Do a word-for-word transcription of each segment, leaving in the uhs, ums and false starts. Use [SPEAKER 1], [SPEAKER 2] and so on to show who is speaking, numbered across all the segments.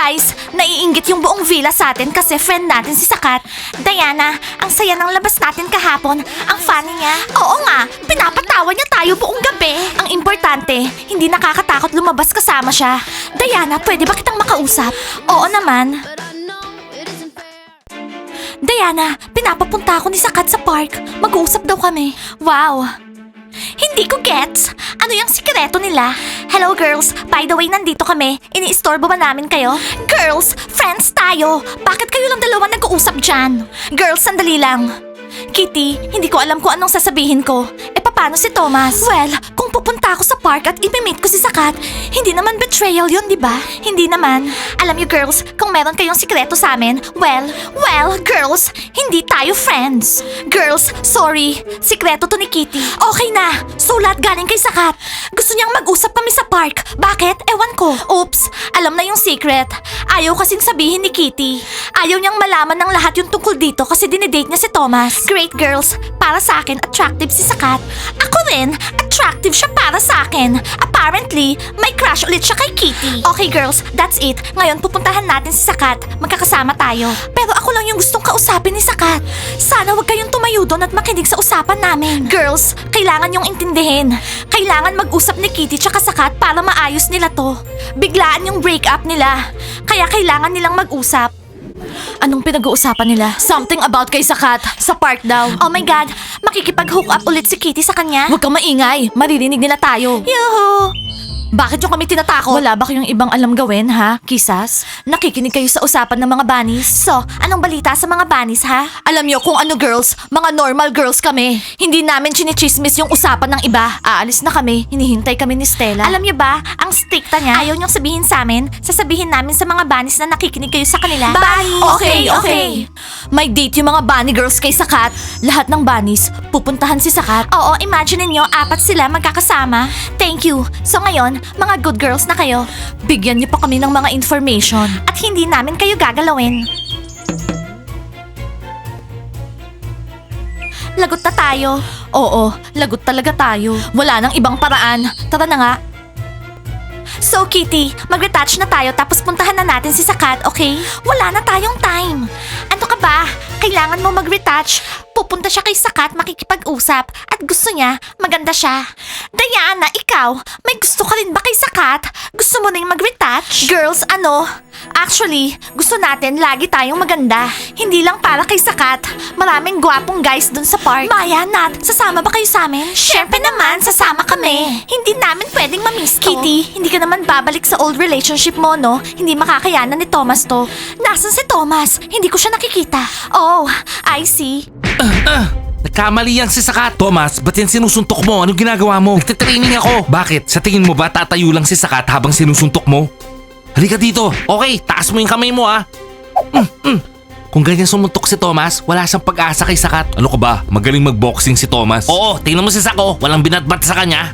[SPEAKER 1] Guys, naiinggit yung buong villa sa atin kasi friend natin si Sakat. Diana, ang saya ng labas natin kahapon. Ang funny niya. Oo nga, pinapatawa niya tayo buong gabi. Ang importante, hindi nakakatakot lumabas kasama siya. Diana, pwede ba kitang makausap? Oo naman. Diana, pinapapunta ako ni Sakat sa park. Mag-uusap daw kami. Wow. Hindi ko gets. Ano yung sikreto nila? Hello girls, by the way nandito kami. Ini-istorbo ba namin kayo? Girls, friends tayo. Bakit kayo lang dalawa nag-uusap dyan? Girls, sandali lang. Kitty, hindi ko alam kung anong sasabihin ko. E paano si Thomas? Well, kung pupunta ako sa park at ipimit ko si Sakat, hindi naman betrayal yun, di ba? Hindi naman. Alam niyo girls, kung meron kayong sikreto sa amin, well, well, girls, hindi tayo friends. Girls, sorry. Sikreto to ni Kitty. Okay na. So lahat galing kay Sakat. Gusto niyang mag-usap kami sa park. Bakit? Ewan ko. Oops, alam na yung secret. Ayaw kasing sabihin ni Kitty. Ayaw niyang malaman ng lahat yung tungkol dito kasi dinidate niya si Thomas. Great girls, para sa akin, attractive si Sakat. Ako rin, attractive siya para sa akin. Apparently, may crush ulit siya kay Kitty. Okay girls, that's it. Ngayon pupuntahan natin si Sakat. Magkakasama tayo. Pero ako lang yung gustong kausapin ni Sakat. Sana wag kayong tumayo doon at makinig sa usapan namin. Girls, kailangan yung intindihin. Kailangan mag-usap ni Kitty tsaka Sakat para maayos nila to. Biglaan yung breakup nila. Kaya kailangan nilang mag-usap. Anong pinag-uusapan nila? Something about kay Sakat. Sa park daw. Oh my God, makikipag-hook up ulit si Kitty sa kanya? Huwag kang maingay. Maririnig nila tayo. Yuhu! Bakit yung kami tinatakot? Wala ba kayong ibang alam gawin, ha? Kisas? Nakikinig kayo sa usapan ng mga bunnies? So, anong balita sa mga bunnies, ha? Alam niyo kung ano girls, mga normal girls kami. Hindi namin chinichismis yung usapan ng iba. Aalis na kami, hinihintay kami ni Stella. Alam niyo ba, ang stricta niya, ayaw niyong sabihin sa amin, sasabihin namin sa mga bunnies na nakikinig kayo sa kanila. Bunnies! Okay, okay. May date yung mga bunny girls kay Sakat. Lahat ng bunnies, pupuntahan si Sakat. Oo, imagine niyo, apat sila magkakasama. Thank you. So ngayon, mga good girls na kayo. Bigyan niyo pa kami ng mga information. At hindi namin kayo gagalawin. Lagot na tayo. Oo, lagot talaga tayo. Wala nang ibang paraan. Tara na nga. So Kitty, mag-retouch na tayo tapos puntahan na natin si Sakat, okay? Wala na tayong time. Ano ka ba? Kailangan mo mag-retouch. Pupunta siya kay Sakat makikipag-usap at gusto niya maganda siya. Diana, ikaw, may gusto ka rin ba kay Sakat? Gusto mo na yung mag-retouch? Girls, ano? Actually, gusto natin lagi tayong maganda. Hindi lang para kay Sakat. Maraming gwapong guys dun sa park. Maya, Nat, sasama ba kayo sa amin? Siyempre naman, sasama kami. Hindi namin pwedeng mamiss to. Kitty, hindi ka naman babalik sa old relationship mo, no? Hindi makakayanan ni Thomas to. Nasaan si Thomas? Hindi ko siya nakikita. Oh, I see.
[SPEAKER 2] Ah, nagkamali yan si Sakat. Thomas, ba't yan sinusuntok mo? Anong ginagawa mo? Nagtitraining ako. Bakit? Sa tingin mo ba tatayo lang si Sakat habang sinusuntok mo? Halika dito. Okay, taas mo yung kamay mo ah. Mm, mm. Kung ganyan sumuntok si Thomas, wala siyang pag-asa kay Sakat. Ano ka ba? Magaling magboxing si Thomas. Oo, tingnan mo si Sako. Walang binatbat sa kanya.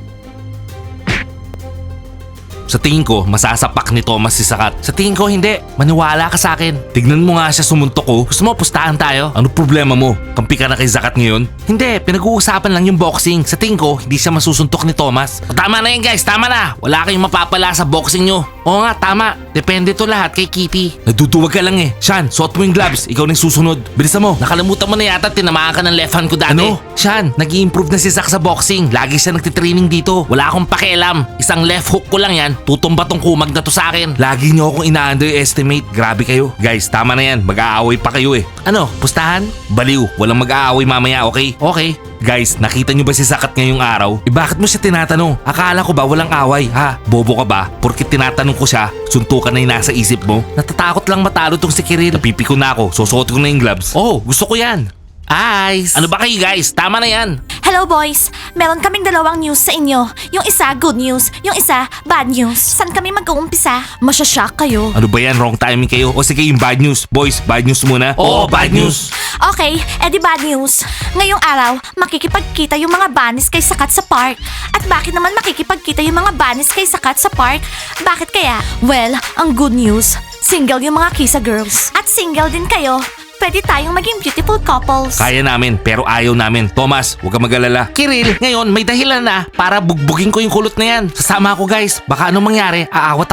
[SPEAKER 2] Sa tingin ko, masasapak ni Thomas si Sakat. Sa tingin ko, hindi. Maniwala ka sa akin. Tignan mo nga siya sumuntok ko. Gusto mo, pustahan tayo? Ano problema mo? Kampi ka na kay Sakat ngayon? Hindi, pinag-uusapan lang yung boxing. Sa tingin ko, hindi siya masusuntok ni Thomas. O, tama na yan guys, tama na. Wala kayong mapapala sa boxing nyo. Oo nga, tama. Depende to lahat kay Kitty. Nagduduwag ka lang eh. Sean, suot mo yung gloves. Ikaw na yung susunod. Bilisan mo. Nakalimutan mo na yata tinamaan ka ng left hand ko dati. Ano? Sean, nag-i-improve na si Zach sa boxing. Lagi siya nagtitraining dito. Wala akong pakialam. Isang left hook ko lang yan. Tutumba tong kumag na to sa akin. Lagi niyo akong ina-underestimate. Grabe kayo. Guys, tama na yan. Mag-aaway pa kayo eh. Ano? Pustahan? Baliw. Walang mag-aaway mamaya, okay? Okay. Guys, nakita niyo ba si Sakat ngayong araw? Eh bakit mo siya tinatanong? Akala ko ba walang away, ha? Bobo ka ba? Porkit tinatanong ko siya, suntukan na yung nasa isip mo? Natatakot lang matalo tong si Kiril. Napipiko na ako, susuot ko na yung gloves. Oh, gusto ko yan. Ice! Ano ba kayo guys? Tama na yan.
[SPEAKER 1] Hello boys, meron kaming dalawang news sa inyo. Yung isa good news, yung isa bad news. Saan kami mag-uumpisa? Masyashock kayo.
[SPEAKER 2] Ano ba yan? Wrong timing kayo? O sige yung bad news. Boys, bad news muna. Oo, bad news.
[SPEAKER 1] Okay, edi bad news. Ngayong araw, makikipagkita yung mga bunnies kay Sakat sa park. At bakit naman makikipagkita yung mga bunnies kay Sakat sa park? Bakit kaya? Well, ang good news, single yung mga Kisa girls. At single din kayo. Pwede tayong maging beautiful couples.
[SPEAKER 2] Kaya namin, pero ayaw namin. Thomas, huwag kang mag-alala. Kiril, ngayon may dahilan na para bugbugin ko yung kulot na yan. Sasama ako guys. Baka anong mangyari, aawat ako.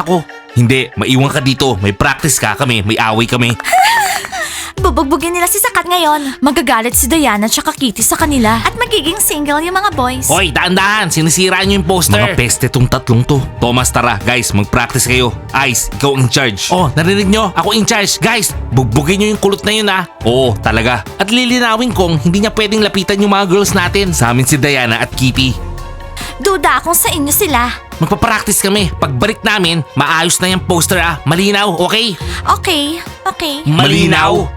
[SPEAKER 2] Hindi, maiwan ka dito. May practice ka kami, may away kami.
[SPEAKER 1] Bubugbugin nila si Sakat ngayon. Magagalit si Diana at Kitty sa kanila. At magiging single yung mga boys.
[SPEAKER 2] Hoy, daan-daan! Sinisira niyo yung poster! Mga peste tong tatlong to. Thomas, tara. Guys, mag-practice kayo. Ice, ikaw ang in charge. Oh, narinig nyo? Ako in charge. Guys, bugbugin nyo yung kulot na yun ah. Oo, talaga. At lilinawin kong hindi niya pwedeng lapitan yung mga girls natin. Sa amin si Diana at Kitty.
[SPEAKER 1] Duda akong sa inyo sila.
[SPEAKER 2] Magpapractice kami. Pagbalik namin, maayos na yung poster ah. Malinaw, okay?
[SPEAKER 1] Okay, okay.
[SPEAKER 2] Malinaw?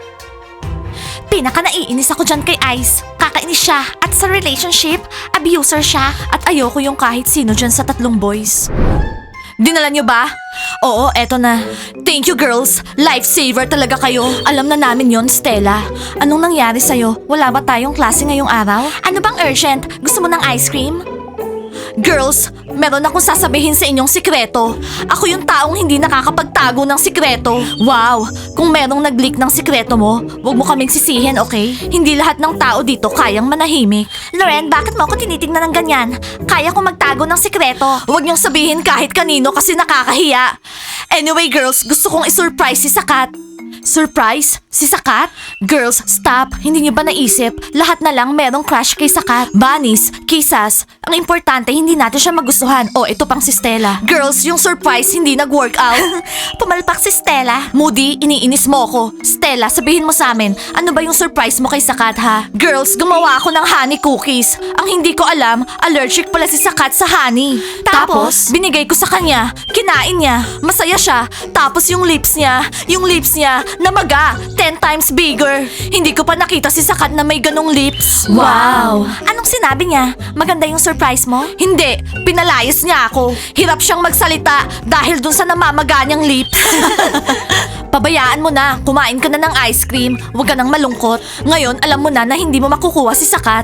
[SPEAKER 1] Pinaka naiinis ako dyan kay Ice. Kakainis siya at sa relationship, abuser siya. At ayoko yung kahit sino dyan sa tatlong boys. Dinala niyo ba? Oo, eto na. Thank you girls. Lifesaver talaga kayo. Alam na namin yon, Stella. Anong nangyari sa'yo? Wala ba tayong klase ngayong araw? Ano bang urgent? Gusto mo ng ice cream? Girls, meron akong sasabihin sa inyong sikreto. Ako yung taong hindi nakakapagtago ng sikreto. Wow, kung merong nag-leak ng sikreto mo, huwag mo kaming sisihin, okay? Hindi lahat ng tao dito kayang manahimik. Loren, bakit mo ako tinitingnan ng ganyan? Kaya kong magtago ng sikreto. Huwag niyong sabihin kahit kanino kasi nakakahiya. Anyway girls, gusto kong isurprise si Sakat. Surprise? Si Sakat? Girls, stop. Hindi niyo ba naisip? Lahat na lang merong crush kay Sakat. Bunnies, kisas. Ang importante, hindi natin siya magustuhan. O, ito pang si Stella. Girls, yung surprise hindi nag-work out. Pumalpak si Stella. Moody, iniinis mo ako. Stella, sabihin mo sa amin, ano ba yung surprise mo kay Sakat, ha? Girls, gumawa ako ng honey cookies. Ang hindi ko alam, allergic pala si Sakat sa honey. Tapos, binigay ko sa kanya. Kinain niya. Masaya siya. Tapos yung lips niya, yung lips niya, namaga. Ten times bigger. Hindi ko pa nakita si Sakat na may ganong lips. Wow! Anong sinabi niya? Maganda yung surprise mo? Hindi. Pinalayas niya ako. Hirap siyang magsalita dahil dun sa namamaga niyang lips. Pabayaan mo na. Kumain ka na ng ice cream. Huwag ka nang malungkot. Ngayon, alam mo na na hindi mo makukuha si Sakat.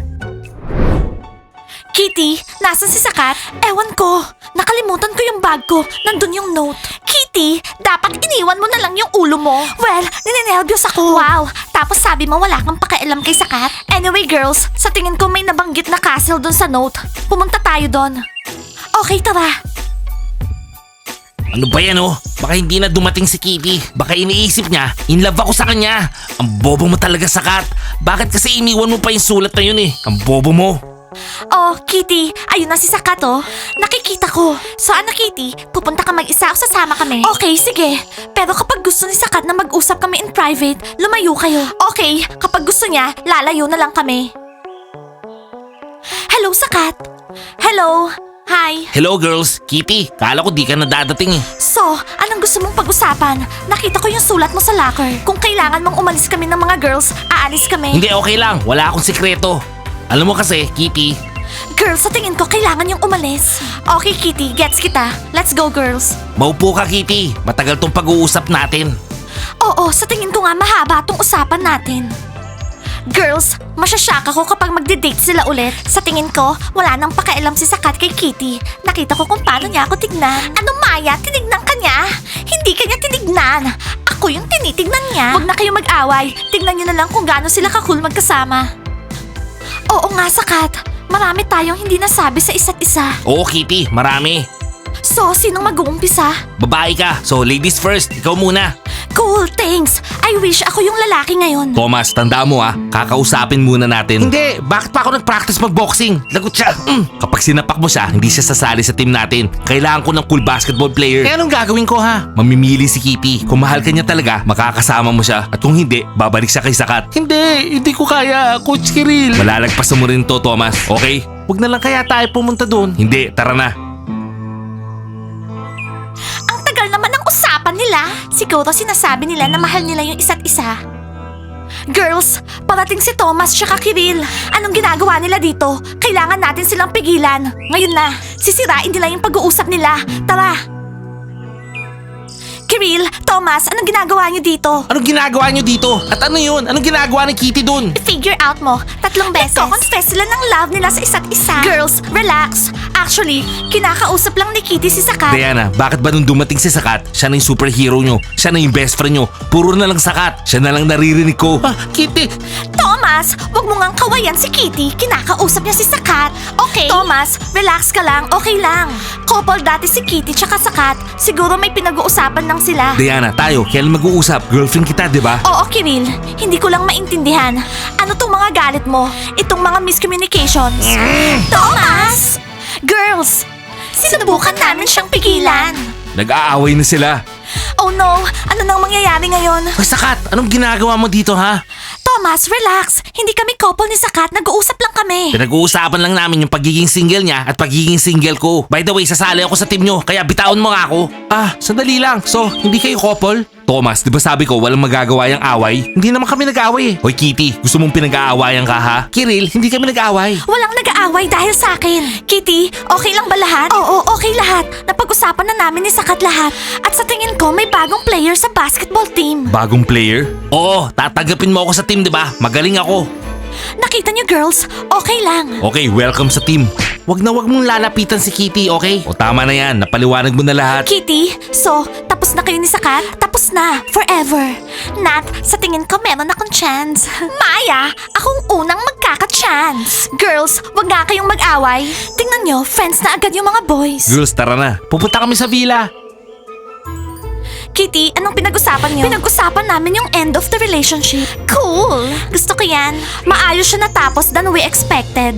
[SPEAKER 1] Kitty, nasan si Sakat? Ewan ko. Nakalimutan ko yung bag ko. Nandun yung note. Kitty, dapat iniwan mo na lang yung ulo mo. Well, ninenervyos ako. Wow, tapos sabi mo wala kang pakialam kay Sakat. Anyway girls, sa tingin ko may nabanggit na castle dun sa note. Pumunta tayo dun. Okay, tara.
[SPEAKER 2] Ano ba yan oh? Baka hindi na dumating si Kitty. Baka iniisip niya, in love ako sa kanya. Ang bobo mo talaga, Sakat. Bakit kasi iniwan mo pa yung sulat na yun eh? Ang bobo mo.
[SPEAKER 1] Oh, Kitty, ayun na si Sakat oh. Nakikita ko. So ano, Kitty? Pupunta ka mag-isa o sasama kami? Okay, sige. Pero kapag gusto ni Sakat na mag-usap kami in private, lumayo kayo. Okay, kapag gusto niya, lalayo na lang kami. Hello, Sakat. Hello. Hi.
[SPEAKER 2] Hello girls, Kitty. Kala ko di ka na dadating eh.
[SPEAKER 1] So, anong gusto mong pag-usapan? Nakita ko yung sulat mo sa locker. Kung kailangan mong umalis kami ng mga girls, aalis kami.
[SPEAKER 2] Hindi, okay lang. Wala akong sikreto. Alam mo kasi, Kitty.
[SPEAKER 1] Girls, sa tingin ko kailangan yung umalis. Okay, Kitty, gets kita. Let's go, girls.
[SPEAKER 2] Maupo ka, Kitty. Matagal tong pag-uusap natin.
[SPEAKER 1] Oo, sa tingin ko nga mahaba tong usapan natin. Girls, masyashock ako kapag magde-date sila ulit. Sa tingin ko, wala nang pakialam si Sakat kay Kitty. Nakita ko kung paano niya ako tignan. Ano, Maya? Tinignan ka niya? Hindi ka niya tinignan. Ako yung tinitignan niya. Huwag na kayo mag-away. Tignan niyo na lang kung gaano sila ka-cool magkasama. Oo nga, Sakat. Marami tayong hindi nasabi sa isa't isa.
[SPEAKER 2] Oo, Kitty. Marami.
[SPEAKER 1] So, sinong mag-uumpisa?
[SPEAKER 2] Babae ka. So, ladies first. Ikaw muna.
[SPEAKER 1] Cool, thanks. I wish ako yung lalaki ngayon.
[SPEAKER 2] Thomas, tanda mo ah. Kakausapin muna natin. Hindi. Bakit pa ako nag-practice mag-boxing? Lagot siya. Mm. Kapag sinapak mo siya, hindi siya sasali sa team natin. Kailangan ko ng cool basketball player. Kaya anong gagawin ko ha? Mamimili si Kitty. Kung mahal ka niya talaga, makakasama mo siya. At kung hindi, babalik siya kay Sakat. Hindi. Hindi ko kaya, Coach Kiril. Malalagpasan mo rin to, Thomas. Okay? Huwag na lang kaya tayo pumunta doon. Hindi. Tara na.
[SPEAKER 1] Ang tagal naman ng usapan nila. Siguro sinasabi nila na mahal nila yung isa't isa. Girls, parating si Thomas tsaka Kiril. Anong ginagawa nila dito? Kailangan natin silang pigilan. Ngayon na, sisirain nila yung pag-uusap nila. Tara! Kiril, Thomas, anong ginagawa niyo dito?
[SPEAKER 2] Anong ginagawa niyo dito? At ano yun? Anong ginagawa ni Kitty doon?
[SPEAKER 1] Figure out mo, tatlong beses. Nagko-confess sila ng love nila sa isa't isa. Girls, relax. Actually, kinakausap lang ni Kitty si Sakat.
[SPEAKER 2] Diana, bakit ba nung dumating si Sakat, siya na yung superhero nyo, siya na yung best friend nyo, puro na lang Sakat, siya na lang naririnig ko. Ah, Kitty!
[SPEAKER 1] Thomas! Thomas, wag mo ngang kawayan si Kitty. Kinakausap niya si Sakat. Okay? Thomas, relax ka lang. Okay lang. Couple dati si Kitty tsaka Sakat. Siguro may pinag-uusapan lang sila.
[SPEAKER 2] Diana, tayo, kailan mag-uusap? Girlfriend kita, di ba?
[SPEAKER 1] Oo, Kiril. Hindi ko lang maintindihan. Ano tong mga galit mo? Itong mga miscommunications. Thomas! Girls! Sinubukan namin siyang pigilan.
[SPEAKER 2] Nag-aaway na sila.
[SPEAKER 1] Oh no! Ano nang mangyayari ngayon?
[SPEAKER 2] Hoy, Sakat, anong ginagawa mo dito, ha?
[SPEAKER 1] Thomas, relax. Hindi kami couple ni Sakat. Nag-uusap lang kami.
[SPEAKER 2] Pinag-uusapan lang namin yung pagiging single niya at pagiging single ko. By the way, sasali ako sa team nyo, kaya bitaon mo nga ako. Ah, sandali lang. So, hindi kayo couple? Thomas, di ba sabi ko walang magagawa yung away? Hindi naman kami nag-aaway eh. Hoy Kitty, gusto mong pinag-aawayan ka ha? Kiril, hindi kami nag-aaway.
[SPEAKER 1] Walang nag-aaway dahil sa akin. Kitty, okay lang ba lahat? Oo, okay lahat. Napag-usapan na namin ni Sakat lahat. At sa tingin ko, may bagong player sa basketball team.
[SPEAKER 2] Bagong player? Oo, tatanggapin mo ako sa team, di ba? Magaling ako.
[SPEAKER 1] Nakita niyo girls, okay lang.
[SPEAKER 2] Okay, welcome sa team. Wag na wag mong lalapitan si Kitty, okay? O tama na yan, napaliwanag mo na lahat.
[SPEAKER 1] Kitty, so, tapos na kayo ni Sakat? Tapos na, forever. Nat, sa tingin ko meron akong chance. Maya, akong unang magkaka-chance. Girls, wag nga kayong mag-away. Tingnan nyo, friends na agad yung mga boys.
[SPEAKER 2] Girls, tara na. Pupunta kami sa villa.
[SPEAKER 1] Kitty, anong pinag-usapan niyo? Pinag-usapan namin yung end of the relationship. Cool! Gusto ko yan. Maayos siya natapos than we expected.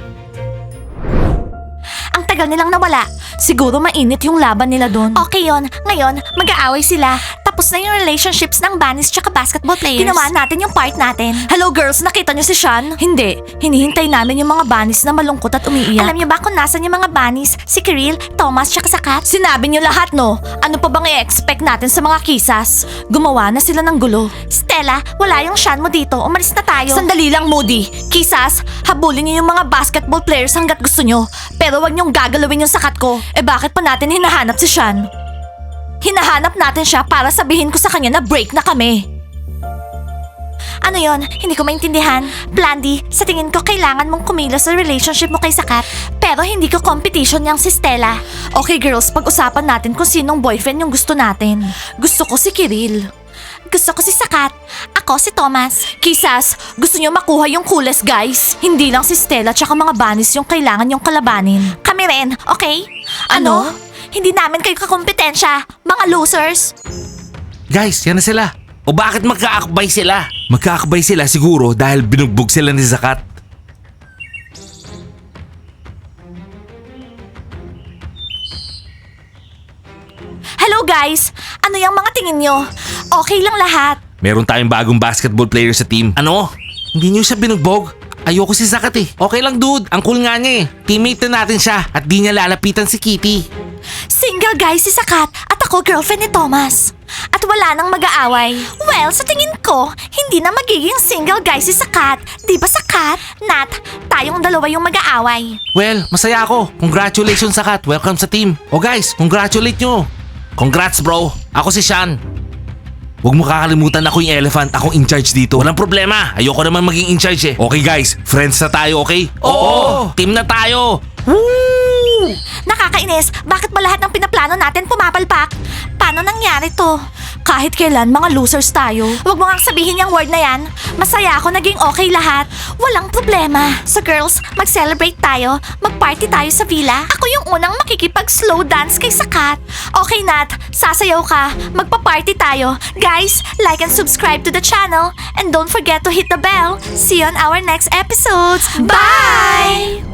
[SPEAKER 1] Ang tagal nilang nawala. Siguro mainit yung laban nila doon. Okay yon. Ngayon, mag-aaway sila. Tapos na yung relationships ng bunnies tsaka basketball players. Ginawa natin yung part natin. Hello girls, nakita niyo si Sean? Hindi. Hinihintay namin yung mga bunnies na malungkot at umiiyak. Alam niyo ba kung nasan yung mga bunnies? Si Kiril, Thomas tsaka Sakat? Sinabi niyo lahat no? Ano pa bang i-expect natin sa mga kisas? Gumawa na sila ng gulo. Stella, wala yung Sean mo dito. Umalis na tayo. Sandali lang, Moody. Kisas, habulin niyo yung mga basketball players hanggat gusto niyo. Pero wag niyong gagalawin yung Sakat ko. Eh bakit pa natin hinahanap si Sean? Hinahanap natin siya para sabihin ko sa kanya na break na kami. Ano yon? Hindi ko maintindihan. Blandy, sa tingin ko kailangan mong kumilos sa relationship mo kay Sakat. Pero hindi ko competition niyang si Stella. Okay girls, pag-usapan natin kung sinong boyfriend yung gusto natin. Gusto ko si Kiril. Gusto ko si Sakat. Ako si Thomas. Kisas, gusto niyo makuha yung coolest guys. Hindi lang si Stella tsaka mga bunnies yung kailangan yung kalabanin. Kami rin, okay? Ano? Hindi namin kayo kakompetensya, mga losers.
[SPEAKER 2] Guys, yan na sila. O bakit magkaakbay sila? Magkaakbay sila siguro dahil binugbog sila ni Sakat.
[SPEAKER 1] Hello guys! Ano yung mga tingin nyo? Okay lang lahat.
[SPEAKER 2] Meron tayong bagong basketball player sa team. Ano? Hindi niyo siya binugbog? Ayoko si Sakat eh. Okay lang dude, ang cool nga niya eh. Teammate na natin siya at di niya lalapitan si Kitty.
[SPEAKER 1] Single guy si Sakat at ako girlfriend ni Thomas. At wala nang mag-aaway. Well, sa tingin ko, hindi na magiging single guy si Sakat. Di ba Sakat? Nat, tayong dalawa yung mag-aaway.
[SPEAKER 2] Well, masaya ako. Congratulations Sakat, welcome sa team. O guys, congratulate nyo. Congrats bro, ako si Sean. Huwag mo kakalimutan ako yung elephant, akong in charge dito. Walang problema, ayoko naman maging in charge eh. Okay guys, friends na tayo, okay? Oo! Team na tayo! Woo!
[SPEAKER 1] Nakakainis, bakit ba lahat ng pinaplano natin pumapalpak? Paano nangyari to? Kahit kailan, mga losers tayo. Huwag mo nga sabihin yung word na yan. Masaya ako, naging okay lahat. Walang problema. So girls, mag-celebrate tayo. Mag-party tayo sa villa. Ako yung unang makikipag-slow dance kay Sakat. Okay Nat, sasayaw ka. Magpa-party tayo. Guys, like and subscribe to the channel. And don't forget to hit the bell. See you on our next episodes. Bye!